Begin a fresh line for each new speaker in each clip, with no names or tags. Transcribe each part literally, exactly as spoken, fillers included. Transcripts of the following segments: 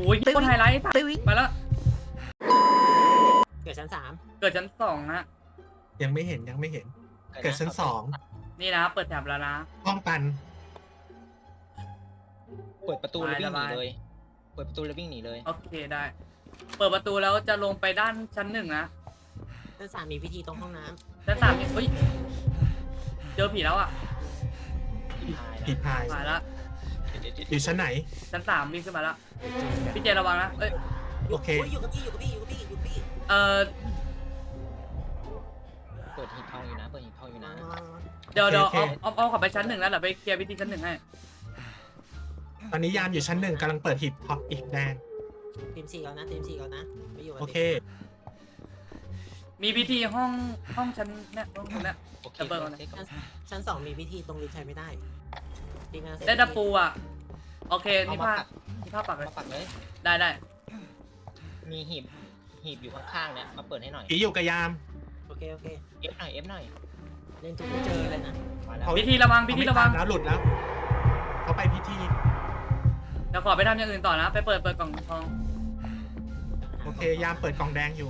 อ้ยคนไฮไลท์ไปแล้ว
เกิดชั้นสาม
เกิดชั้นสองนะ
ยังไม่เห็นยังไม่เห็น เกิดชั้นสอง
นี่นะเปิดแถบแล้วนะ
ห้องตัน
เปิดประตูแล้ววิ่งหนีเลย เปิดประตูแล้ววิ่งหนีเลย
โอเคได้ เปิดประตูแล้วจะลงไปด้านชั้นหนึ่งนะ
ชั้นสามมีพิธีตรงห้องน้
ชั้นสามนี่เฮ้ยเจอผีแล้วอ่ะ
ผีพาย
มาแล้ว
อยู่ชั้นไหน
ชั้นสามวิ่งขึ้นมาแล้วพี่เจระวังนะเอ้ย
ำ
โอเค
ยอยู่กับพี่อยู่กับพี่อยู่กับพี่อยู่กับพี่
เออ
เปิดหีบทองอยู่นะ เปิดหีบทองอยู่นะ
เดี๋ยวเดี๋ยว
โอเค
เอาเอาเอาขับไปชั้นหนึ่งแล้วเดี๋ยวไปเคลียร์พิธีชั้นหนึ่งให้
ตอนนี้ยามอยู่ชั้นหนึ่งกำลังเปิดหีบท็อปอีกแดง
ทีมสี่ก่อนนะทีมสี่ก่อนนะไปอยู่กับ
โอเค
มีพิธีห้องห้องชั้นเนี่ยห้องชั้นเนี่ย
โอเค
จะเปิดก่อนนะ
เช็คก่อน
ชั้นสองมีพิธีตรงลิฟต์ใช้ไม่ได้ทีมงานเสร็จ
ได้ตะปูอ่ะโอเค
เอา
นี่
มา
ผ้า
ปัก
นี่ผ้าปักเลย
มาปักเลย
ได้ได้
มีหีบ หีบอยู่ข้างๆเนี่ย มาเปิดให้หน่อย
ผีอยู่กับยาม
โอเคโอเค
เอฟหน่อย เอฟหน่อย
เล่นทุกไม่เจอเลยนะ
มาแล้ว
เขา
พิธีระวังพิธีระวัง
เขาไม่ตามแล้วหลุดแล้ว เขาไปพิธี
เดี๋ยวขอไปทำอย่างอื่นต่อนะ ไปเปิดเปิดกล่องทอง
โอเค ยามเปิดกล่องแดงอยู่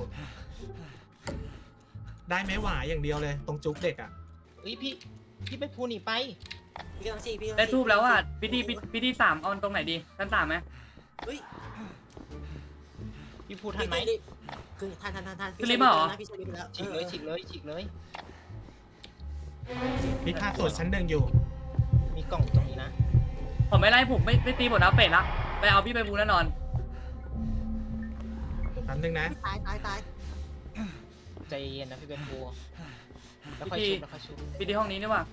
ได้ไหมหวายอย่างเดียวเลย ตรงจุกเด็กอ่ะ
เฮ้ยพี่ พี่ไปพูหนีไป
พี่กำลังสี่พี่กำลัง
ได้
สี่
ทูบแล้วอ่ะพิธีพิพิธีสามเอาตรงไหนดีชั้นสามไหม
เฮ้ย
พี่พูทันไหม
พี่คือทันทันทันทัน
คือรีบมาเหรอ
พี่ช่วยรีบไปแล้ว
ฉีกเลยฉีกเลยฉีกเลย
มีค่าส่วนชั้นหนึ่งอยู่
มีกล่องตรงนี้นะ
ผมไม่ไล่ผมไม่ไม่ตีหมดนะเฟดละไปเอาพี่ไปบูแน่นอน
แป๊บนึงนะ
ตายตายตาย
ใจเย็นนะพี่เป็นพูแล้วค่อยชุบแล้วค่อยชุบ
พิธีห้องนี้นี่ว่า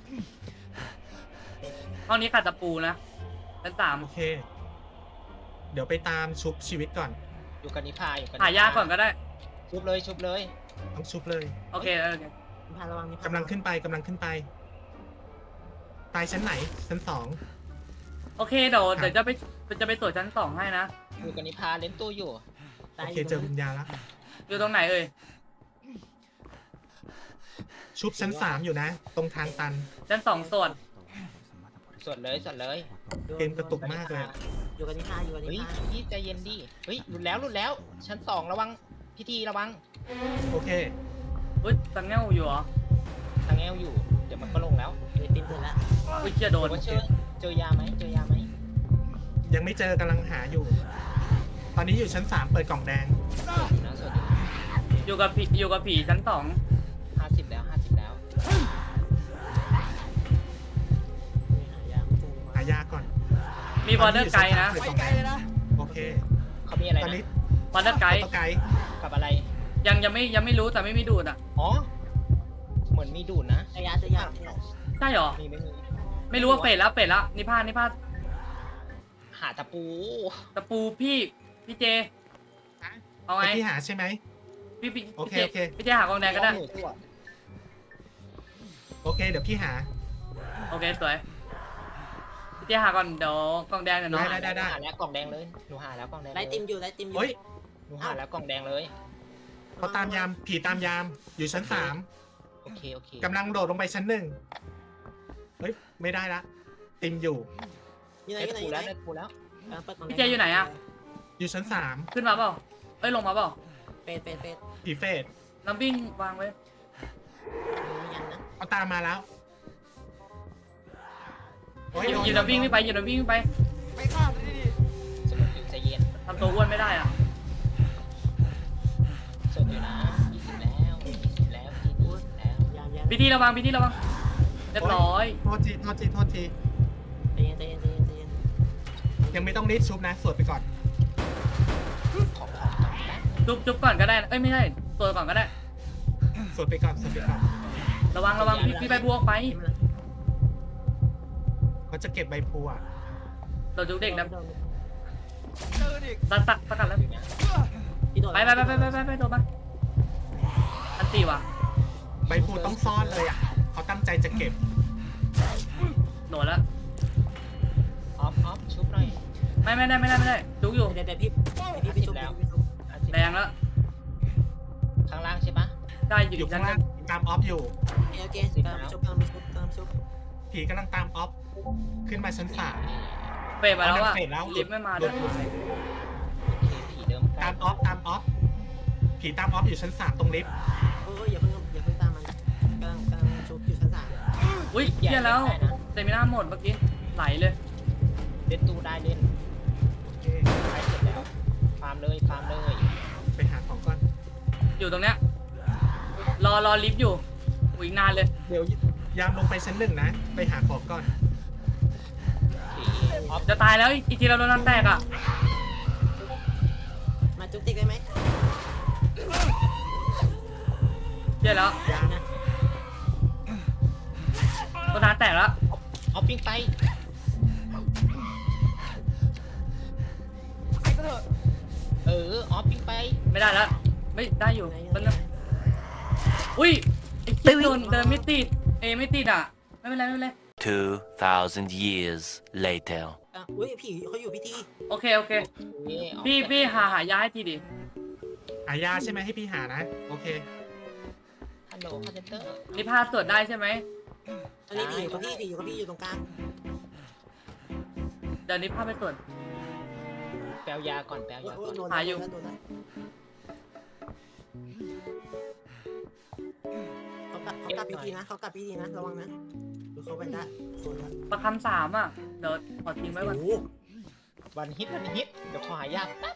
ห้องนี้ขาดตะปูนะชั้นสาม
โอเค เดี๋ยวไปตามชุบชีวิตก่อน
อยู่กันนิพาอยู่กัน
หายาก่อนก็ได้
ชุบเลยชุบเลย
ต้องชุบเลย
โอเคโอเค
นิพาระวังนิพาก
ำลังขึ้นไปกำลังขึ้นไป ตายชั้นไหน ชั้นสอง
โอเคเดี๋ยวเดี๋ยวจะไปจะไปตรวจชั้นสองให้นะ
อยู่กันนิพาเล่นตู้อยู่
ตา
โอย เคเจอวิญญาณแล้ว
อยู่ตรงไหนเอ่ย
ชุบชั้นสามอยู่นะ ตรงทางตัน
ชั้นสองส่วน
สวดเลยสวดเลย
เกมกระตุกมากเลย
อยู่กับนิพาอยู่กับนิ
เฮ้ย
พา
พี่ใจเย็นดิ เฮ้ยหลุดแล้วหลุดแล้ว ชั้นสองระวัง พิธีระวัง
โอเค
อุ้ยตังเงี้ยวอยู่เหรอ
ทางแอลอยู่ เดี๋ยวมันก็ลงแล้ว
เดี๋ยวติมเปิดแล้ว
อุ้ยเชี่ยโดน
หรือว่าเจอเจอยาไหมเจอยาไหม
ยังไม่เจอกำลังหาอยู่ ตอนนี้อยู่ชั้นสามเปิดกล่องแดง
สวดอยู่นะสวดอยู่
อยู่กับผีอยู่กับผีชั้นสอง
ห้าสิบแล้วห้าสิบแล้ว
หายาไม่เจอ
หายาก่อน
มีบอร์เดอร์ไกด์นะ
เปิดกล่องแดงโอเค
เขามีอะไร
ตอนนี้
นะ
บอร์เดอร์ไกด์
ตัวไกด์
กับอะไร
ยังยังไม่ยังไม่รู้แต่ไม่มีดูดอ่ะ
อ๋อ เหมือนมีดูดนะ
เจอยาเจอยาเจอยา
ใช่เหรอ
มีไม่มี
ไม่รู้ว่าเฟดแล้วเฟดแล้วนิพานิพา
หาตะปู
ตะปูพี่พี่เจเอาไง
ไอที่หาใช่ไหม
พี่พี่
โอเค
พี่
โอเค
พี่เจหากองแดงก็ได้
หนูตัว
โอเค เดี๋ยวพี่หา
โอเคสวยพี่เจหาก่อนเดี๋ยวกองแดงเดี๋ยวน้อง
ได้ได้ได้
หาแล้วกล่องแดงเลย หนูหาแล้วกล่องแดง
ไล่ติมอยู่ไล่ติมอยู่
เฮ้ย
หนูหาแล้วกล่องแดงเลย
เขาตามยาม ผีตามยาม อยู่ชั้นสาม
โอเคโอเค
กำลังโดดลงไปชั้นหนึ่งเฮ้ย ไม่ได้ละ ติมอยู่
อยู่ไหน
ได้
อยู่ไหน
ตะ
อ
ปู
ยู่ไหน
แล้วได้ตะปูแล้ว
กำลังเปิดกล่อง
พี่เจอยู่ไหนอะ
อยู่ชั้นสาม
ขึ้นมาเปล่าเอ้ยลงมาเปล่า
เฟดเฟดเฟด
ผีเฟส
น้ำวิ่งวางไว้
มียันนะ
เขาตามมาแล้วโอ้ย
หยิบ
โดน
หยิบน้ำวิ่งขึ้นไปหยิบน้ำวิ่งขึ้นไป
สนุกอยู่ใจเย็น
ทำตัวอ้วนไม่ได้อ่ะ
สดอยู่นะยี่สิบแล้วยี่สิบแล้วทีนี้แล้ว
ยามยาม
พิธีระวังพิธีระวังเรียบร้อย
โทษที โทษที โทษที
ใจเย็นใจเย็นใจเย็นใจเย็น
ยังไม่ต้องรีบชุบนะ สวดไปก่อน
ของของก่อนนะ
จุ๊บจุ๊บก่อนก็ได้นะเอ้ยไม่ใช่ตัวก่อนก็ได้
สวดไปก่อน สวดไปก่อน
ระวังระวังพี่พี่ใบบัวออกไป
เขาจะเก็บใบพลูอ่ะ
เราจุ๊บเด็กนะตัดตัดตัดกันแล้ว
อยู่เนี่ย
พี่โดด
ไปไปไปไปไปไปไปโดนมาอันตีว่ะ
ใบพลูต้องซ่อนเลยอ่ะ เขาตั้งใจจะเก็บ
โดนแล้ว
ออฟออฟชุบหน่อย
ไม่ไม่ได้ไม่ได้ไม่ได้จุ๊บอยู่
เดี๋ยวเดี๋ยวพี่พี่พี่ชุบพี่ชุบ
ห้าสิบ
แดงแล้ว
ข้างล่างใช่ปะ
ได้อยู่
อยู่
ชั้
ข้าน ง
ห
ล่า
นึ
ง
ง
ตามออฟอยู่
โอเคกำลังชุบกำลังชุบกำลังชุบ
ผีกำลังตามออฟ ขึ้นมาชั้นสาม
เฟดมาแล้วอ่ะ
เฟดแล้ว
ลิฟต์ไม่มา
ห
ด้
ลุ
วย
ดหลุดผีตามออฟอยู่ชั้นสามตรงลิฟต์
โอ้ยอย่าเพิ่งอย่าเพิ่งตามมันกำลังกำลังชุบอยู่ชั้นสาม
อุ้ยเฮียแล้วเต็มหน้าหมดเมื่อกี้ไหลเลย
เล่นตู้ได้เล่น
โอเค
ไปเสร็จแล้วฟาร์มเลยฟาร์มเลย
ไปหาของก่อน
อยู่ตรงเนี้ยรอรอลิฟต์อยู่อุ้ยอีกนานเลย
เดี๋ยวยามลงไปชั้นหนึ่งนะ ไปหาของก่อน
โอเคออฟ
จะตายแล้วอีกทีเราโดนน้ำแตกอ่ะ
มาจุ๊บติ๊กได้ไหม
เฮียแล้ว
ยาม
นะ
ตัวน้ำแตกแล้ว
ออฟปิ้งไปเออออฟปิ้งไป
ไม่ได้แล้วไม่ได้อยู่ต้นนึงอุ้ยไอ้คิดโดนเดินไม่ติดเอยไม่ติดอ่ะไม่เป็นไรไม่เป็นไร
Two thousand years later.
อ่ะอุ้ยผีเขาอยู่พิธี
โอเคโอเค
เย่ออฟ
พี่พี่หาหายาให้ทีดิ
หายาใช่ไหมให้พี่หานะ โอเค
ฮัลโหลคาเซนเตอร์
นี่พาสวดได้ใช่ไหม
อันนี้ผีอยู่กับพี่ผีอยู่กับพี่อยู่ตรงกลาง
เดี๋ยวนี้พาไปสวด
แปลยาก่อนแปล
โอ้ย
ยา
โอ้
ก่
ย
อน
โดน
หาอยู่
โดนแล้วเขากลับเขากลับพิธีนะเขากลับพิธีนะระวังนะดูเขาไปได้คนละ
ประคำสามอ่ะเดี๋ยวขอทิ้งไว้ก่อน
โอ้โห
วันฮิตวันฮิตเดี๋ยวขอหายาแป๊บ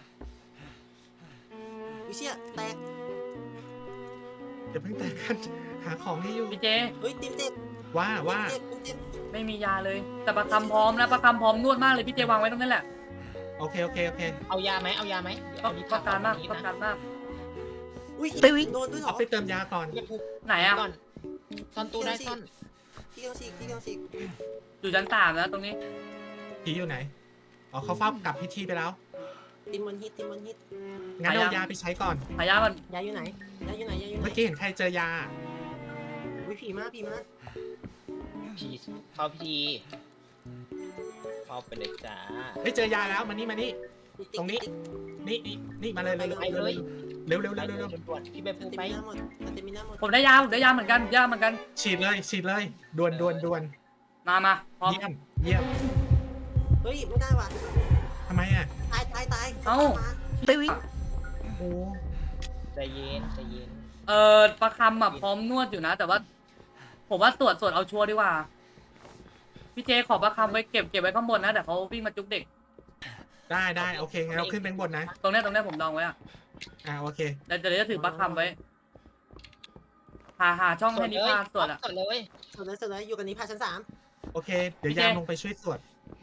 วิเชียแตก
เดี๋ยวเพิ่งแตกกัน หาของให้อยู่
พี่เจ
เฮ้ยติมเจ็บ
ว่าว่า
ติมเจ็บติมเจ็บ
ไม่มียาเลย แต่ประคำพร้อมนะประคำพร้อมนวดมากเลยพี่เจวางไว้ตรงนั้นแหละ
โอเคโอเคโอเค
เอายาไหมเอายาไหมเดี๋ยว
ต้อ
เอา
ง
ลิฟต์
ต้องการมาก
วันนี้
ต้อง
นะ
การมาก
อุ้ยโดนด้วยเหร
เอา
อ
ไปเติมยาก่อน
เรียกผู้
ไหนอ่ะ
ก่อนซ่อนตู้ได้ซ่อน
ที่เดียวสิที่เดียวสิ
อยู่ชั้นสามนะตรงนี้
ผีอยู่ไหน อ๋อเขาเฝ้ากลับพิธีไปแล้ว
ติมวันฮิตติมวันฮิต
งั้น
หายา
เอายาไปใช้ก่อน
หายาก่อน
ยายอยู่ไหนยายอยู่ไหนยายอยู่ไหน
เมื่อกี้เห็นใครเจอยา
อุ้ยผีมาผีมา
ผีเข้าพิธีเข้าไปเลยจ้า
ไม่เจอยาแล้วมานี่มานี่
ติ๊ก
ตรงนี้
ติ๊ก
นี่นี่นี่มาเลยเร็ว
ไปเลย
เร็วเร็ว
ไป
เร็ว
เล
เร็
ยว
เร็ว
ด่วนๆพี่ไป
ส
พู
เต
ไป
มิน่าหมดสเตมิน่าหมด
ผมได้ยาผมได้ยาเหมือนกันยาเหมือนกัน
ฉีดเลยฉีดเลยด่วนด่วนด่วน
มามาพร้อม
เยี่ยมเยี่ยม
เฮ้ยไม่ได้ว่ะ
ทำไมอ่ะ
ตายตายตาย
เอ้า
โอ้
ใจเย็นใจเย็น
เออประคำอ่ะพร้อมนวดอยู่นะ แต่ว่า ผมว่าตรวจสวดเอาชัวร์ดีกว่าพี่เจขอประคำไว้เก็บเก็บไว้ข้างบนนะเดี๋ยวเขาวิ่งมาจุกเด็ก
ได้ได้โอเคงั้นเราขึ้นไปข้างบนนะ
ตรงเนี้ยตรงเนี้ยผมดองไว้อ่ะ
อ่าโอเค
เดี๋ยวเดี๋ยวจะถือประคำไว้หาหาช่องให้นิพาสวดอ่ะ
สดเลย
สุดเลยสุดเลยอยู่กันนี้พาชั้นสาม
โอเค เดี๋ยว
โอเค
ยามลงไปช่วยตรวจ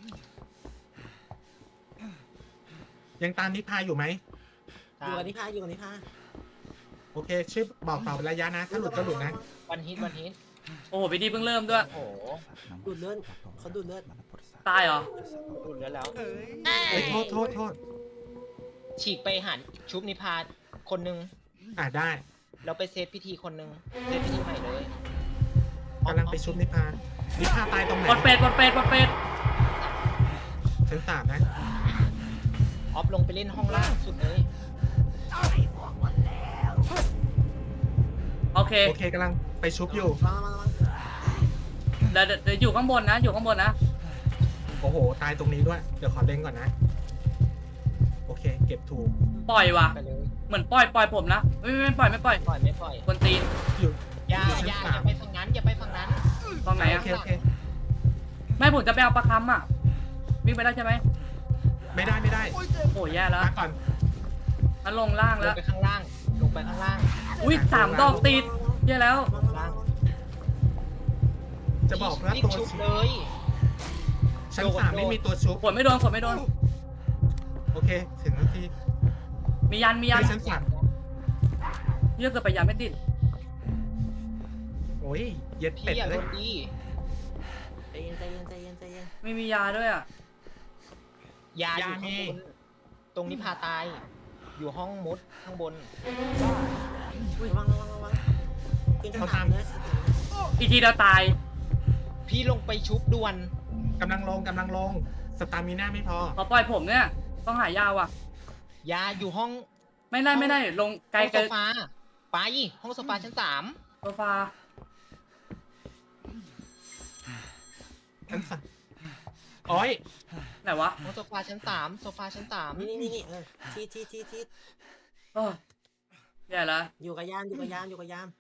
ยังตามนิพาอยู่ไหม
อยู่กันนี้พาอยู่กันนี้พา
โอเคช่วยบอกต่อระยะนะ ถ้าหลุดก็หลุดนะ
วันฮิตวันฮิต
โอ้โหพี่ดีเพิ่งเริ่มด้วย
โอ้โห
ดูดเลือดเขาดูดเลือด
ตายเหรอ
ดูดแล้วแล้ว
เฮ้ยโทษโทษโทษ
ฉีกไปหันชุบนิพาคนนึง
อ่าได้
แล้วไปเซตพิธีคนนึงเซตพิธีใหม่เลย
กำลังไปชุบนิพา นิพาตายตรงไหน
บดเป็ดบดเป็ดบดเป็ด
ชั้นสามนะ
ออฟลงไปเล่นห้องล่างสุดเลย
โอเค
โอเคกำลังไปชุบอยู่
มามามา
เดี๋ยวเดี๋ยวเดี๋ยวอยู่ข้างบนนะ อยู่ข้างบนนะ
โอ้โห ตายตรงนี้ด้วย เดี๋ยวขอเล่งก่อนนะ โอเค เก็บถูก
ปล่อยว่ะ
ไปเลย
เหมือนปล่อยปล่อยผมนะไม่ไม่ไม่ปล่อยไม่ปล่อย
ปล่อยไม่ปล่อย
กวนตีน
อยู่
อย่า
อยู่ชั้น
อย่าอ
สา
ย่าม ไปฝั่งนั้นอย่าไปฝั่งนั้น
ตรงไหน
โอ
อะ
เคโอเค
ไม่ผมจะไปเอาประคำอ่ะวิ่งไปได้ใช่ไหม
ไม่ได้ไม่ได้
โอ้ยแย่แล้ว
มาก่อน
มันลงล่าง
ล
แล้
ง
ว
ไปข้างล่าง ลงไปข้างล่าง
อุ้ยสามดอกติดแย่แล้ว
มามามา
จะบอกว่า
รีบ
ตัว
ชุบเลย
ชั้นสามไม่มีตัวชุบ
ฝนไม่โดนฝนไม่โดน
โอเค ถึงนาที
มียันมียัน
ไปชั้นสาม
เยอะเกินไปยันไม่ติด
โอ้ย เย็ด
พี่
เป็ด
อย่า
เล
โด
ย
นดี
ใจเย็นใจเย็นใจเย็นใจเย็น
ไม่มียาด้วยอ่ะ
ยาอยู่ข้างบน ตรงนี้พาตาย อยู่ห้องมุดข้างบน
ระวังระวังระวังขึ้นชั้นสามเลย
อีกทีเดียวตาย
พี่ลงไปชุบด่วน
กำลังลงกำลังลง สตามิน่าไม่พอ
ขอปล่อยผมเนี่ยต้องหายาว่ะ
ยาอยู่ห้อง
ไม่ได้ไม่ได้ลงไกล
ห้อง
เกิ
โซ
น
ฟา ไป ห้องโซฟาชั้นสาม
โซฟา
ชั้นสามโอ้ย
ไหนวะ
ห้องโซฟาชั้นสามโซฟาชั้นสาม
นี่นี่นี่เออทีทีทีที
เออแย่ละ
อยู่กับยามอยู่กับยามอยู่กับยาม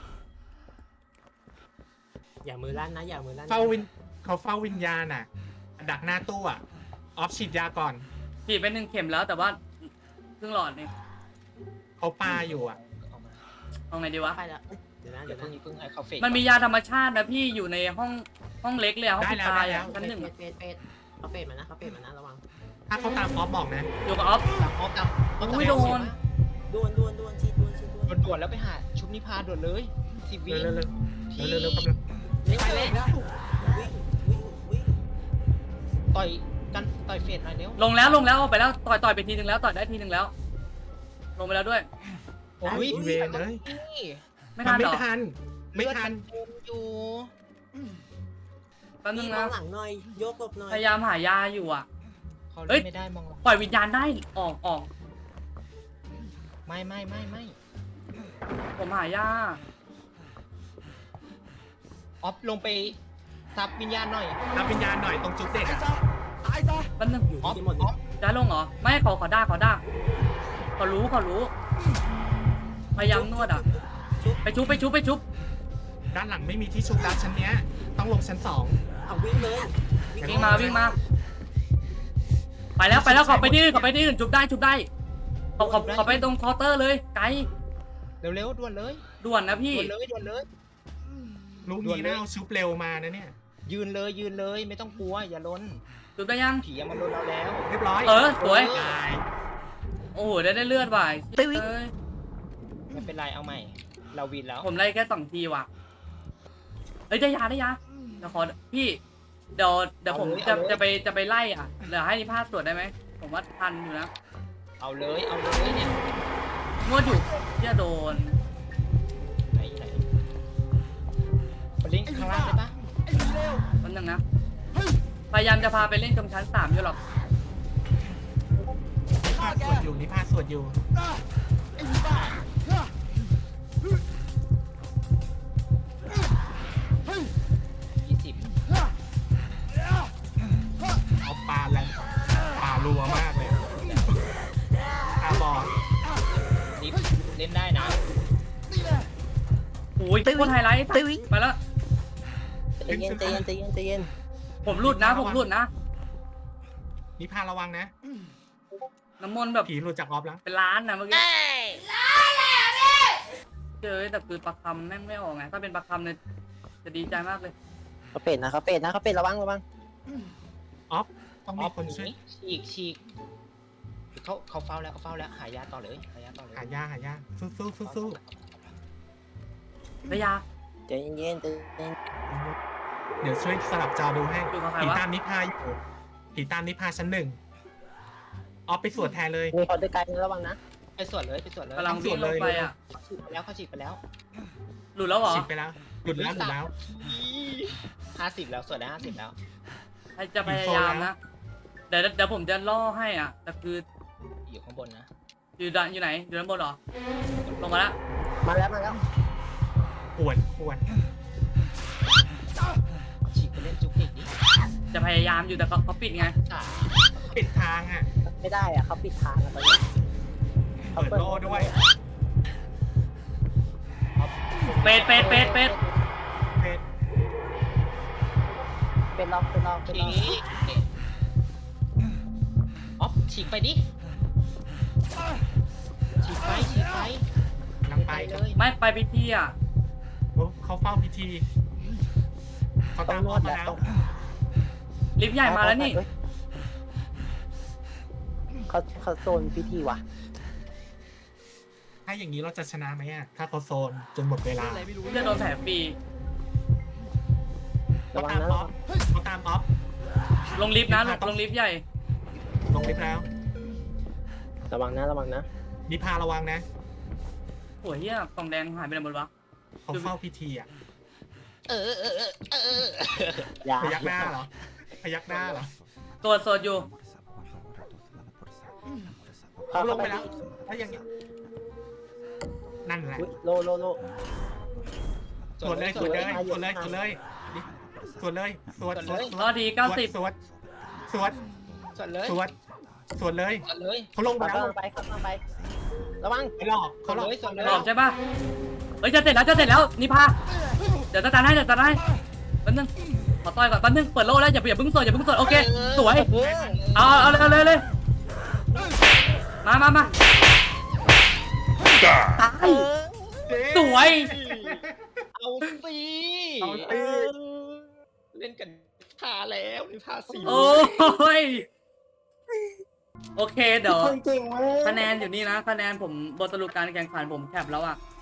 อย่ามือลั่นนะอย่ามือลั่นนะ
เฝ้าวินเขาเฝ้าวิญญาณอ่ะ ดักหน้าตู้อ่ะ ออฟฉีดยาก่อน
ฉีดไปหนึ่งเข็มแล้วแต่ว่าเพิ่งหลอดนี่
เขาปาอยู่อ่ะ
เอามา
เอาไงดีวะ
ไปแล้วเอ้ยเดี๋ยวนะ
เดี๋
เดี๋
ย
ยว ว
เพิ่ง
นะ
นี้เพิ่งให้เขาเฟก
มันมียาธรรมชาตินะพี่อยู่ในห้องห้องเล็กเลยอะห้อง
ได้
ปิด
แล้ว
ตาย
ได้แล้
อะ
ว
ชั้นหนึ่ง
เฟดเฟดเฟดเขาเฟดมานะเขาเฟดมานะระวัง
ถ้าเขาตามออฟบอกนะ
อยู่กับออฟ
ตามออฟตามออฟตาม
อุ้ยโดน
ดวนดวนดวนชีดดวนชีดดวน
ด่วนๆแล้วไปหาชุบนิพาด่วนเลยสิบวิ
เร็วเร็ว
ที่
เร็วเร็วเร็วกำลัง
วิ่งไปเลยวิ่งวิ่งวิ่ง
ต่อยกันต่อยเฟสหน่อยเร็ว
ลงแล้วลงแล้วออกไปแล้วต่อยต่อยไปทีนึงแล้วต่อยได้ทีนึงแล้ว ลงไปแล้วด้วย
โอ้ย
เวนเลย
นี่
ไม่
มั
ทั
น
น
ไม่
หรอ
ทัน ไม่ทัน
เลือดมันเต็มอยู่
แป๊บนึ
วิ่
ง
งม
นะ
องหลังหน่อยโยกหลบหน่อย
พยายามหายาอยู่อ่ะ
เขา
เอ้
เล่
ย
นไม่ได้มองหลัง
ปล่อยวิญญาณได้ออกออก
ไม่ไม่ไม่ไม่
ผมหายา
ออฟลงไปซับวิญญาณหน่อย
รับวิญญาณหน่อยตรงจุดเด็กอ่ะ
แป๊บนึง
อยู่
ออฟ
ที่หมดเล
อย อฟ
ได้ลงเหรอไม่ขอขอได้ขอได้ขอรู้ขอรู้ พยายามนวดอ่ะ ไปชุบไปชุบไปชุบ
ด้านหลังไม่มีที่ชุบแล้วชั้นเนี้ย ต้องลงชั้นสอง
เอาวิ่งเลย
วิ่งมาวิ่งมาไปแล้วไปแล้วขอไปที่อื่นขอไปที่อื่นชุบได้ชุบได้ขอขอขอไปตรงเคาน์เตอร์เลยไกล
เร็วๆด่วนเลย
ด่วนนะพี่
ด่วนเลยด่วนเลย
ลูก
ด่วน
นี้
เลย
น่าเอาชุบเร็วมานะเนี่ย
ยืนเลยยืนเลยไม่ต้องกลัวอย่าล้น
ชุบได้ยัง
ผียังมันล้นเราแล้ว
เรียบร้อย
เออสวย
ตาย
โอ้โหได้ได้เลือดว่ะเอ้ย
ไม่เป็นไรเอาใหม่ เราวินแล้ว
ผมไล่แค่สองทีว่ะเอ้ยได้ยาได้ยาเดี๋ยวขอพี่เดี๋ยวเดี๋ยวผมจะจะไปจะไปไล่อ่ะเดี๋ยวให้นิพาสตรวจได้ไหมผมว่าทันอยู่นะ
เอาเลยเอาเลยเนี่ย
นวดอยู่ที่จะโดน
ไหนไหนไปลิงก์ข้างล่างได้ปะ
วันหนึ่งนะพยายามจะพาไปเล่นตรงชั้นสามอยู่หรอก
นิพาสวดอยู่นิพาสวดอยู่
ยี่สิบ
เอาปลาแรงปลารัวมากเลยปลาบอล
ลิฟเล่นได้นะ
โอ้ยโคตรไฮไลท์ไปแล้ว
ใจเย็นใจเย็นใจเย็นใจเย็น
ผมหลุดนะผมหลุดนะ
นิพาระวังนะ
น้ำมนต์แบบ
ผีหลุดจากออฟแล้ว
เป็นล้านนะเมื่อกี้เจอแต่คือประคำแม่งไม่ออกไงถ้าเป็นประคำเนี่ยจะดีใจมากเลย
เขาเป็ดนะเขาเป็ดนะเขาเป็ดระวังระวัง
ออฟ ต้อง
อ
มี
อฟ
คนช่วย
นี้ฉีกฉีกเขาเขาเฝ้าแล้วเขาเฝ้าแล้วหายาต่อเลยหายาต่อเลย
หายาหายาสู้สู้สู้สู้
ได้ยา
ใจเย็นใจเย็น
เดี๋ยวช่วยสลับจอดูให้
อยู่กับใคร
ผี
วะ
ตามนิพาอยู่ผีตามนิพาชั้นหนึ่งออฟไปสวดแทนเลย
มีคนด้วยกันระวังนะ
ไปสวดเลยไปสวดเลย
กำลังวิ่งลงไปอ่ะ
เขาฉีกไปแล้วเขาฉีกไปแล้ว
หลุดแล้วเหรอ
ฉีดไปแล้ว หลุดแล้วหลุดแล้ว
ห้าสิบแล้วสวดได้ห้าสิบแล้ว
ใครจะพยายามนะเดี๋ยวเดี๋ยวผมจะล่อให้อ่ะแต่คือ
อยู่ข้างบนนะ
อยู่ด้านอยู่ไหนอยู่ด้านบนเหรอลงมาแล้ว
มาแล้วมาแล้ว
ปวดปวด
ฉีกไปเล่นจุกจิกดิ
จะพยายามอยู่แต่เขาเขาปิดไง
สาม
ปิดทางอ่ะ
ไม่ได้อะเขาปิดทางอะตอนนี้
เปิดโล่ด้วย
เป็ดเป็ดเป็ดเป็ด
เป็ด
เป็นล็อกเป็นล็อกเป็น
ฉี
ล็อก
กออฟฉีกไปดิฉีกไปฉีกไป
ลังไป
เลย
ไม่ไปพิธีอ่ะ
โอ้เขาเฝ้าพิธีเขา
ต้อ
ตาง ม
น
อ
ว
อ
ด
ฟมา
แหละ
แล้ว
ต้อง
ลิฟต์ใหญ่มาแล้วนี่
เขาเขาโซนพิธีว่ะ
ถ้าอย่างนี้เราจะชนะไหมอ่ะ ถ้าเขาโซนจนหมดเวลา
จะโดนแผลฟรี
ระ
เขา
วัง
ตาม
นะ
ออฟเขาตามออฟ
ลงลิฟต์นะลงลงลิฟต์ใหญ่
ลงลิฟต์แล้ว
ระวังนะระวังนะ
นิพาระวังนะ
โอ้ยเฮียกล่องแดงหายไปไหนหมดวะ
เขาเฝ้าพิธีอ่ะ
เออเออเออเออเออ
อย่า
พยักหน้าเหรอ พยักหน้าเหรอ
ตรวจสดอยู่
เขา
เขาล
เข้าง ไป
ไปแล้วถ้าอย่างนี้ นั่นแหละ
อุ๊ยโลโลโล
สวดเลยสวดเลยสวดเลยสวดเลยสวดเลยสวดสวดส
ร
ว
อ
ด
ดีเก้าสิบ
สวดสวด
สวดเลย
สวดสวดเลย
สวดเลย
เขาลงไป
เขา
แล้ว
กำลังไปเขากำลังไป
ระวัง
ไม่หลอกเขาหลอก
เลยส่งเลย
หลอกใช่ปะเฮ้ยจะเสร็จแล้วจะเสร็จแล้วนิพาเดี๋ยวตาตาให้เดี๋ยวตาตาให้แป๊บนึงขอต่อยก่อนแป๊บนึงเปิดโล่แล้วอย่าอย่าเพิ่งสดอย่าเพิ่งสดโอเคสวย
เออ
เอาเอาเลยเอาเลยเลยมามามาตาย
เออ
สวย
เอาสิ
เอาสิ
เออเล่นกันพาแล้วนี่พาสี่
โอ้ยโอเคเดี๋ยว
คนเก่งเว้ย
คะแนนอยู่นี่นะคะแนนผมบทสรุปการแข่งขันผมแคปแล้วอ่ะ